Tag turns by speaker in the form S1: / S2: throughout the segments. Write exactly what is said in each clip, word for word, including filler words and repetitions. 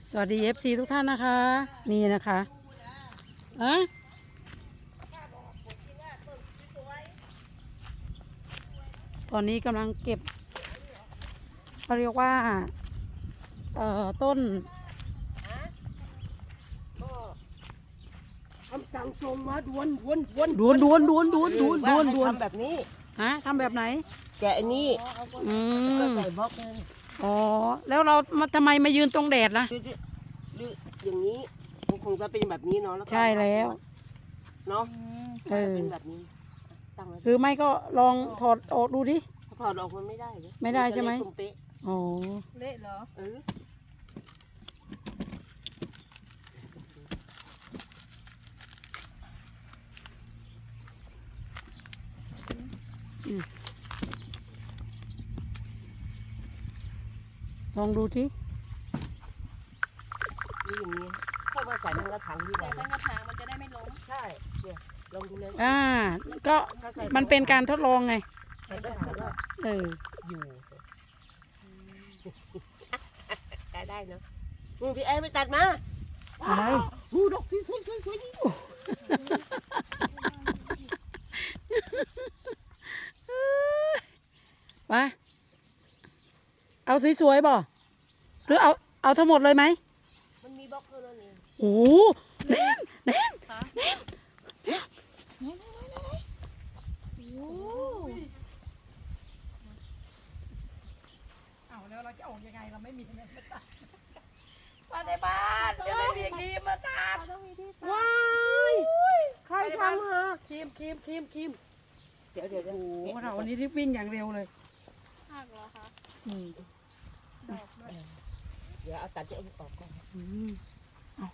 S1: สวัสดี เอฟ ซี ทุกท่านนะคะ นี่นะคะอะตอนนี้กำลังเก็บเขาเรียกว่าเอ่อต้น
S2: คำสั่งส่งมาด่วนด่วนด่วน
S1: ดวนดวนดวนดวนดวนดวนดวน
S2: ทำแบบนี้
S1: ฮะทำแบบไหน
S2: แกะอันนี้
S1: อื
S2: แล้ว
S1: ม
S2: ใส่บล็อกเลย
S1: อ๋อแล้วเรามาทำไมมายืนตรงแดดล่ะ
S2: หรือหรืออย่างนี้มันคงจะเป็นแบบนี้เนาะแล้วก็
S1: ใช่แล้ว
S2: เนาะ
S1: เออ
S2: เป็นแบบนี้ตั้งไว้
S1: หรือไม่ก็ลองถอดออกดูดิ
S2: ถอดออกมันไม่ได้เลย
S1: ไม่ได้ใช่ไหม
S2: นจะเละตรงเป๊ะ
S1: อ๋อ
S3: เละเหรอ
S2: เออ
S1: ลองดูสิ
S2: นี่อย่างนี้ค่อยมาใส่ทั้งกระถางที่ไหน
S3: แต่ทั้งกระถางมันจะได้ไม่ล้ม
S2: ใช่เนี่ยลองดูเลย
S1: อ่าก็มันเป็นการทดลองไง
S2: ใส่กระถางก็
S1: เออ
S2: อยู่ได้ได้เนาะมือพี่แอนไปตัดมา
S1: อะไร
S2: หูดอกสวยสวยสวยสวยนี่
S1: มาเอาสวยๆบ่หรือเอาเอาทั้งหมดเลยไหม
S2: มันมีบล็อกเท่านั้นเอง
S1: โอ้โหแน่นแน่น
S3: ค่ะ
S1: แน่น
S3: โอ้เอาแล้วเราจะออกยังไงเราไม่มีเงินมาตัดมาในบ้านจะไม่มีครีมมาตัดต้องมีที่ตัด
S2: ว้ายใครทำฮะ
S1: ครีมครีมครีมครีม
S2: เดี๋ยวเดี๋ยวเดี๋ยว
S1: โอ้โหเราวันนี้รีบวิ่งอย่างเร็วเลย
S3: หักเหรอคะ
S1: อืม
S3: ดอกด้วย
S2: เดี๋ยวเอาตัดที่เอาออกก่อน
S1: อืมเอา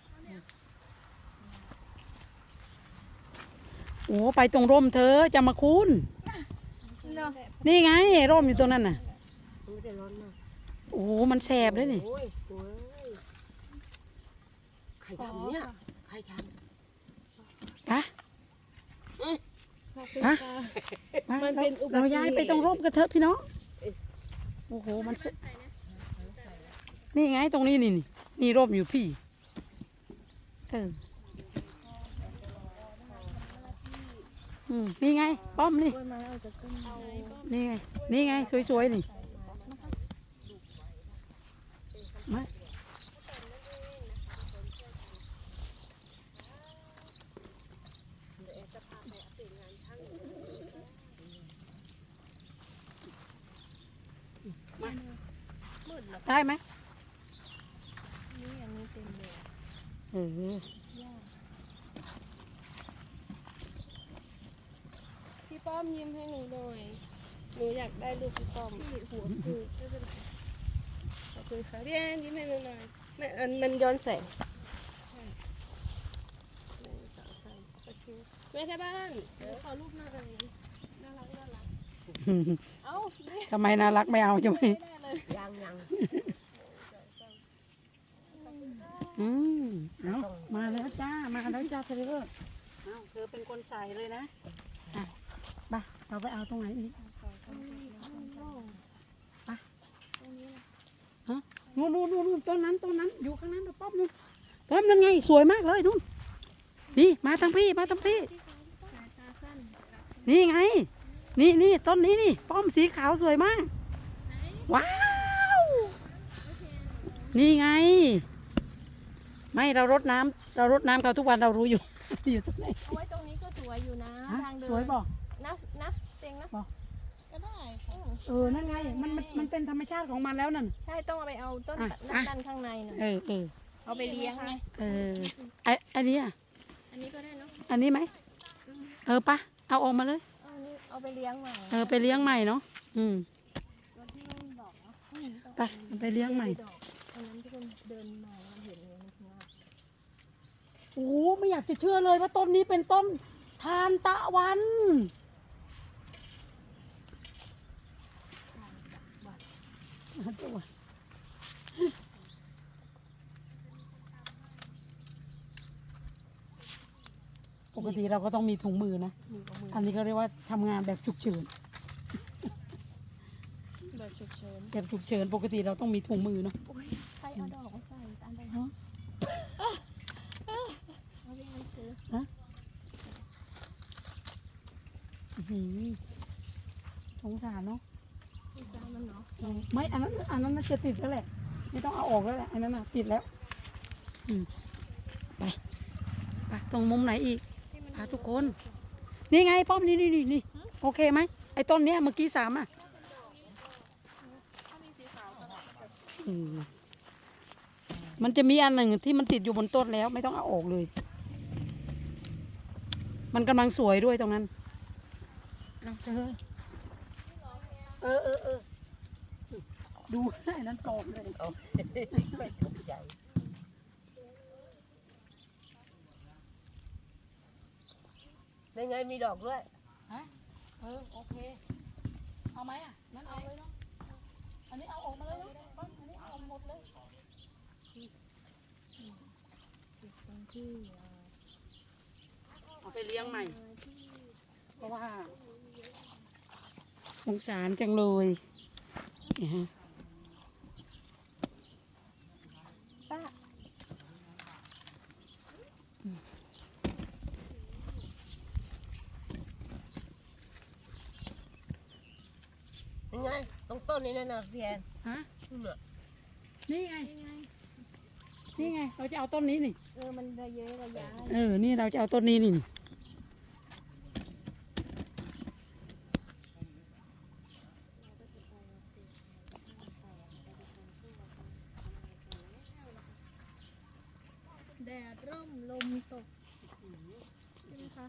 S1: โอ้ไปตรงร่มเธอจะมาคุ้น
S3: เนาะ
S1: นี่ไงร่มอยู่ตรงนั้นน่ะ
S2: มันไม่ได้ร้อนมาก
S1: โอ้โหมันแสบเลยนี่
S2: โอ้ยโอ้ยใครทำเนี่ยใครท
S1: อะ
S3: ขอบคุณ
S1: ฮะ
S3: ค่ะ
S1: มา
S3: มันเป็นอุบัติเหตุ
S1: เราย้ายไปตรงร่มกันเถอะพี่น้องโอ้โหมันเสนี่ไงตรงนี้นี่นี่นี่ร่มอยู่พี่เอออืมนี่ไงป้อมนี่
S3: กล้วยไม้เอาจากต้นไม้ก็
S1: นี่ไงนี่ไงสวยๆนี่มาได้ไหม
S3: นี่อันนี้เต็มเลย
S1: เออ
S3: พี่ป้อมยิ้มให้หนูหน่อยหนูอยากได้ลูกพี่ป้อมพี่หัวคือไม่เป็นไรขอบคุณค่ะพี่แอนยิ้มให้หนูหน่อยไม่อันมันย้อนแสงใช่หนึ่งสองสามโอเคแม่ที่บ้านเดี๋ยวขอรูปหน่อยน่ารักน่ารักเอ้านี่
S1: ทำไมน่ารักไม่เอาใช่ไหม
S3: ไม่ได้เลย
S2: ำยังยัง
S1: อืมเอามาแล้วจ้ามาแล้วจ้าเธอเอาเธอเป็นคนใส่เลยนะอ่ะไปเราไปเอาตรงไหนอีกไปฮะนู่นนู่นนู่นนู่นต้นนั้นต้นนั้นอยู่ข้างนั้นนะป้อมนู่นป้อมนั่นไงสวยมากเลยนู่นนี่มาทางพี่มาทางพี่
S3: สายตาสั้น
S1: นี่ไง นี่นี่ต้นนี้นี่ป้อมสีขาวสวยมาก ว้าว นี่ไง ไม่เรารดน้ำเรารดน้ำเขาทุกวันเรารู้อยู่ อยู่ตรงไหน
S3: เอาไว้ตรงนี้ก็สวยอยู่นะ
S1: ฮะ
S3: ทางเดิน
S1: สวยบอก
S3: นะนะเต็งนะ
S1: บอก
S3: ก็ได้ค่ะ
S1: เออนั่นไงมันมันมันเป็นธรรมชาติของมันแล้วนั่น
S3: ใช่ต้องเอาไปเอาต้น
S1: อ่ะ
S3: ด้านด้านข้างในน่ะ
S1: เออเออ
S3: เอาไปเลี้ยงไง
S1: เออไออันนี้อ่ะ
S3: อันนี้ก็ได้เนาะ
S1: อันนี้ไหมเออปะเอาออกมาเลย
S3: เอาอันนี้เอาไปเลี้ยงใหม่
S1: เออไปเลี้ยงใหม่เนาะอืม
S3: รถที่ไม่มีดอกเนาะอืมต้อง
S1: ไปเอาไปเลี้ยงใหม่
S3: ดอกอันนั้นที่คนเดินมาเราเห็นเลยมันงาม
S1: โอ้ไม่อยากจะเชื่อเลยว่าต้นนี้เป็นต้นทานตะวันทานตะวันปกติเราก็ต้องมีถุงมือนะ
S3: มีกับมือ
S1: อันนี้ก็เรียกว่าทำงานแบบฉุกเฉิน
S3: แบบฉุกเฉิน
S1: แบบฉุกเฉินปกติเราต้องมีถุงมือเนาะ
S3: โอ้ยใครเอาดอกมาใส่อัน
S1: สารเนาะ
S3: มีจานมันเนาะ
S1: อืมไม่อันนั้นอันนั้นน่าจะติดแล้วแหละไม่ต้องเอาออกแล้วแหละอันนั้นน่ะติดแล้วอืมไปไปตรงมุมไหนอีกพาทุกคน นี่ไงป้อมนี่นี่นี่นี่โอเคไหมไอ้ต้นเนี้ยเมื่อกี้สามอ่ะ
S3: ถ้ามีสีขาวก็แบบ
S1: อืมมันจะมีอันหนึ่งที่มันติดอยู่บนต้นแล้วไม่ต้องเอาออกเลย มันกำลังสวยด้วยตรงนั้นเอาเธอเออเออเออดูไอ้นั้นตอบเลย
S2: เอาไม่ถูกใจได้ไงมีดอกด้วย
S1: ฮะเออโอเคเอาไหมอ่ะนั่นเอาเลยเนาะอันนี้เอาออกมาเลยเนาะอันนี้เอาออกหมดเลย
S3: ตรงที่
S1: เอาไปเลี้ยงใหม่ เพราะว่าสงสารจังเลยเนี่ยฮะ
S3: ป้า
S2: ยังไงตรงต้นนี้นั่นนะพี่แอน
S1: ฮะ
S2: นู่นน่ะ
S1: นี่ไง นี่ไง เราจะเอาต้นนี้นี่
S3: เออมันระเยอะระยะ
S1: เออ นี่เราจะเอาต้นนี้นี่
S3: แดดร่มลมตกใช่ไหมคะ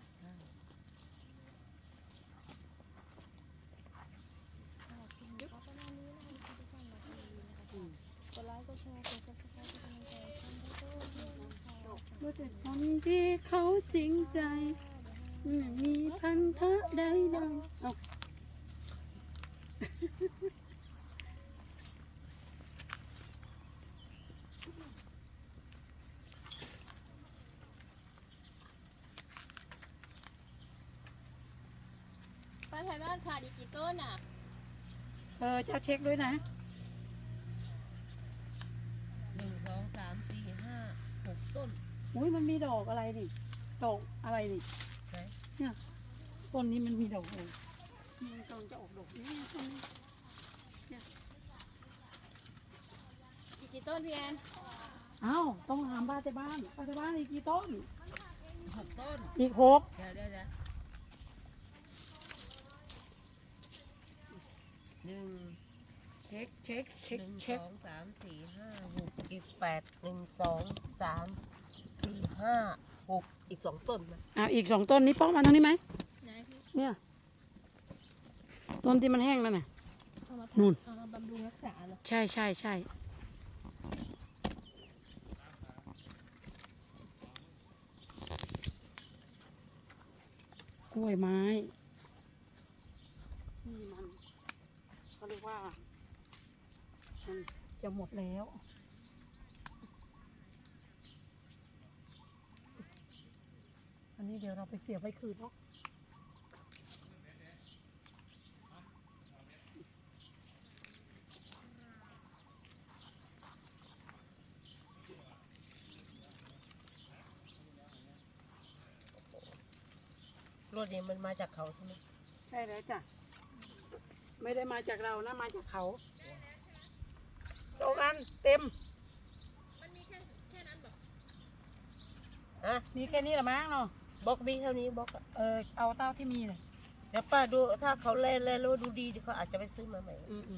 S3: กดไลค์กดแชร์กดซับสไครต์กดกำลังใจช่องโต้ด้วยนะคะ
S1: ว่าแต่คนที่เขาจริงใจไม่มีพันธะใดๆเอา
S3: ป้าไทยบ้านขาดอีกกี่ต้นอ่ะ
S1: เออเจ้าเช็คด้วยนะ
S2: หนึ่งสองสามสี่ห้าหกต้น
S1: อุ้ยมันมีดอกอะไรนี่ ดอกอะไรนี่
S2: ไหน
S1: เนี่ยต้นนี้มันมีดอกเลยนี่มันกำลังจะออกดอกนี่ต้นนี้
S3: อีกกี่ต้นพี่แอน
S1: อ้าวต้องถามป้าแต่บ้านป้าแต่บ้านอีกกี่ต้น
S2: หกต้น
S1: อีกหก
S2: เดี๋ยวเดี๋ยวเดี๋ยวหนึ่ง
S1: เช็คเช็คเช็ค
S2: หนึ่ง
S1: เช็ค
S2: สองสามสี่ห้าหกอีกแปดหนึ่งสองสามสี่ห้าหกอีกสองต้นนะ
S1: อ่าอีกสองต้นนี้ป้องมาตรงนี้ไหม
S3: ไหนพี่
S1: เนี่ยต้นที่มันแห้งนั่นน่ะ
S3: เอามา
S1: นู่น
S3: เอามาบำรุงรักษาเหรอ
S1: ใช่ใช่ใช่กล้วยไม้นี่มันเขาเรียกว่ามันจะหมดแล้ว อันนี้เดี๋ยวเราไปเสียบไว้คืนเนาะ
S2: รถนี้มันมาจากเขาใช่ไหม
S1: ใช่แล้วจ้ะ ไม่ได้มาจากเรานะ มาจากเขาสองอันเต็ม
S3: มันมีแค่แค่นั้นบอก
S2: ฮะ
S1: มีแค่นี้ละมั้งเนาะ
S2: บล็อกมีเท่านี้บล็อกอะ
S1: เออ เอาเต้าที่มีเลย
S2: เดี๋ยวป้าดูถ้าเขาเล่นเล่นแล้วดูดีเขาอาจจะไปซื้อมาใหม่
S1: อืมอืม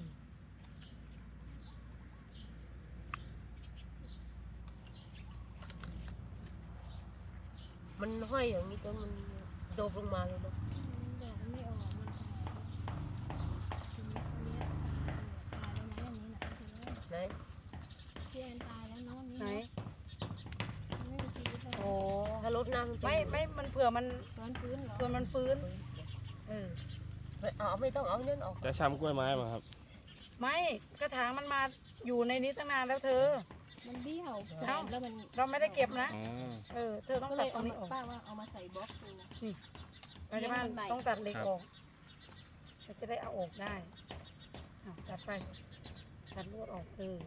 S2: มันห้อยอย่างนี้จนมันโดบลงมาเลยเนาะ
S3: ดอกมันไม่ออกมันทีนี้คนนี้ตายแล้วนะอย่างนี้นะคือ
S2: ไหน
S3: พี่แอนตายแล้วเนาะนี่
S1: ไหน
S3: ไม่มีชีวิตแล้ว
S1: โอ้
S2: ถ้ารถน้ำนจะ
S1: ไม่ไม่มันเผื่อมัน
S3: ฟื้นฟื้นเหรอ
S1: เผื่อมันฟื้น เออ
S2: ไม่เอาไม่ต้องเอาเน่นออก
S4: จะช้ำกล้วยไม้มาครับ
S1: ไม่กระถางมันมาอยู่ในนี้ตั้งนานแล้วเธอ
S3: มันเบี้ยว
S1: เอ้า
S3: แล้วมัน
S1: เราไม่ได้เก็บนะ
S4: อ๋อ
S1: เออ เธอต้อง
S3: ก็เล
S1: ตัด
S3: ย
S1: ตร
S3: เอา
S1: ง
S3: มา
S1: นี้ออก
S3: ป้าว่าเอามาใส่บล็อกเลยนะ
S1: ไปที่บ้าน
S3: เลี้ยงมันใหม่
S1: ต้องตัดเหล็ก
S4: ครับ
S1: ออกเราจะได้เอาออกได้เอาตัดไป ตัดลวดออก เออ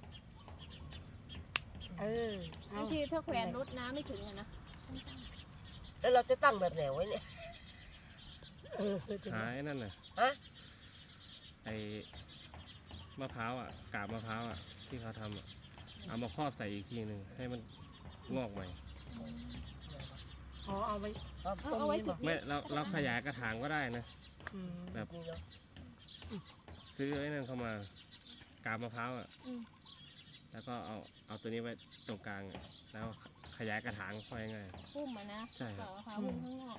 S1: เออเอา
S3: บางทีถ้าแขวนรถน้ำไม่ถึงอะนะ
S2: แล้วเราจะตั้งแบบไหนไว้เนี่ย
S1: เออเออ
S4: หายนั่นน่ะ
S2: ฮะ
S4: ไอ้มะพร้าวอ่ะกาบมะพร้าวอ่ะที่เขาทำอ่ะเอามาครอบใส่อีกทีหนึ่งให้มันงอกใหม่
S1: อ๋อเอาไป
S2: เอา
S3: เอา
S2: ต้น
S3: เอาไว้
S2: นี้
S3: สิ
S2: บอก
S4: ไม่เราเราขยายกระถางก็ได้นะ
S1: อืม
S4: แบบ
S2: นี่เนาะ
S4: ซื้อไอ้นั่นเข้ามากาบมะพร้าวอ่ะ
S3: อืม
S4: แล้วก็เอาเอาตัวนี้ไว้ตรงกลางอะแล้วขยายกระถางค่อยง่าย
S3: พุ่มอ่ะนะ
S4: ใช่ครับ
S3: เปล่าค่ะพุ่มข้างนอก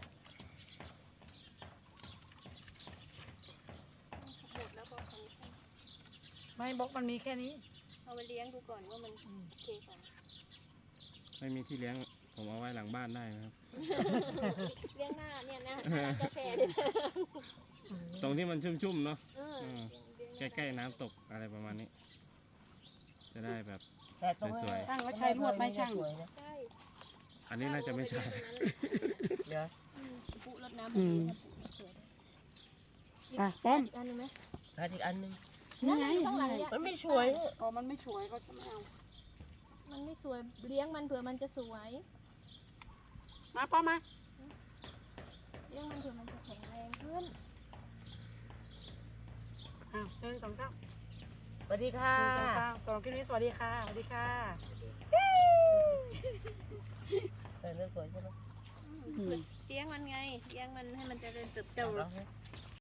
S3: หมดแล้วก็ทำ
S1: ไม่บล็อกมันมีแค่นี้
S3: เอาไปเลี้ยงดูก่อนว่ามันโอเคก่อน
S4: ไม่มีที่เลี้ยงผมเอาไว้หลังบ้านได้นะครับ
S3: เลี้ยงหน้าเนี่ยนะหน้าร้านกาแฟเนี่ย
S4: ตรงที่มันชุ่มๆเนาะ
S3: เออ
S4: อืม
S3: เลี้ยง
S4: ใกล้ๆน้ำตกอะไรประมาณนี้ จะได้แบบ
S2: แต่ตรงนี้
S4: สวย
S1: ช่างก็ใช้ลวดไหมช่าง
S2: สวยนะ
S3: ใช่
S4: อันนี้น่าจะไม่ใช่
S2: เดี๋ยว
S3: อืมปุรดน้ำ
S1: อืม
S3: สวย
S1: อ่ะป้อม
S3: อีกอันหนึงไหม
S2: หาอีกอันหนึง
S3: นั่นไงข้างหลังเนี่ย
S2: มันไม่สวย
S1: อ๋อมันไม่สวยเขาจะไม่เอา
S3: มันไม่สวยเลี้ยงมันเผื่อมันจะสวย
S1: มาป้อมมา
S3: เลี้ยงมันเผื่อมันจะแข็งแรงขึ้น
S1: อ้าวหนึ่งสองสาม
S2: สวัสดี
S1: ห
S2: ค่ะ
S1: นึ่งสองสามสองคลิปนี้สวัสดีค่ะสวัสดีค่ะ
S2: เออเรื่องสวยใช่ไหม
S1: อืม
S3: เลี้ยงมันไงเลี้ยงมันให้มันเจริญเติบโต
S2: เอาแล้ว